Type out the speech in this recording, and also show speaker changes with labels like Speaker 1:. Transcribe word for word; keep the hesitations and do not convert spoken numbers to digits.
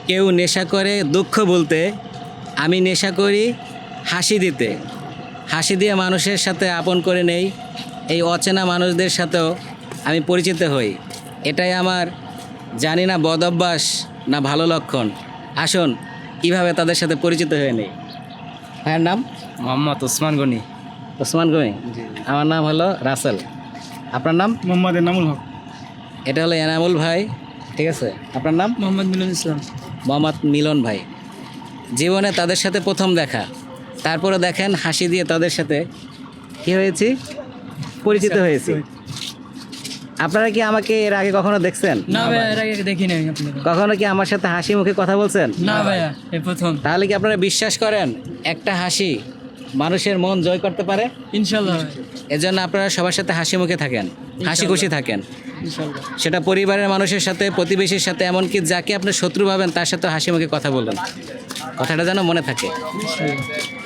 Speaker 1: কেউ নেশা করে দুঃখ বলতে, আমি নেশা করি হাসি দিতে। হাসি দিয়ে মানুষের সাথে আপন করে নেই, এই অচেনা মানুষদের সাথেও আমি পরিচিত হই। এটাই আমার জানি না বদ অভ্যাস না ভালো লক্ষণ। আসুন কীভাবে তাদের সাথে পরিচিত হয়ে নেই। ভাইয়ের নাম?
Speaker 2: মোহাম্মদ ওসমান গনি।
Speaker 1: ওসমান গনি। আমার নাম হলো রাসেল। আপনার নাম?
Speaker 2: মোহাম্মদ এনামুল হক।
Speaker 1: এটা হলো এনামুল ভাই, ঠিক আছে। আপনার নাম?
Speaker 2: মোহাম্মদ মিলন ইসলাম।
Speaker 1: মোহাম্মদ মিলন ভাই। জীবনে তাদের সাথে প্রথম দেখা, তারপরে দেখেন হাসি দিয়ে তাদের সাথে কী হয়েছি, পরিচিত হয়েছি। আপনারা কি আমাকে এর আগে কখনো দেখছেন?
Speaker 2: না ভাইয়া, এর আগে দেখি নাই আপনাকে।
Speaker 1: কখনো কি আমার সাথে হাসি মুখে কথা বলছেন?
Speaker 2: না ভাইয়া, এই প্রথম।
Speaker 1: তাহলে কি আপনারা বিশ্বাস করেন একটা হাসি মানুষের মন জয় করতে পারে?
Speaker 2: ইনশাল্লাহ।
Speaker 1: এজন্য আপনারা সবার সাথে হাসি মুখে থাকেন, হাসি খুশি থাকেন।
Speaker 2: ইনশাল্লাহ।
Speaker 1: সেটা পরিবারের মানুষের সাথে, প্রতিবেশীর সাথে, এমনকি যাকে আপনি শত্রু ভাবেন তার সাথে হাসি মুখে কথা বলবেন। কথাটা যেন মনে থাকে।
Speaker 2: ইনশাল্লাহ।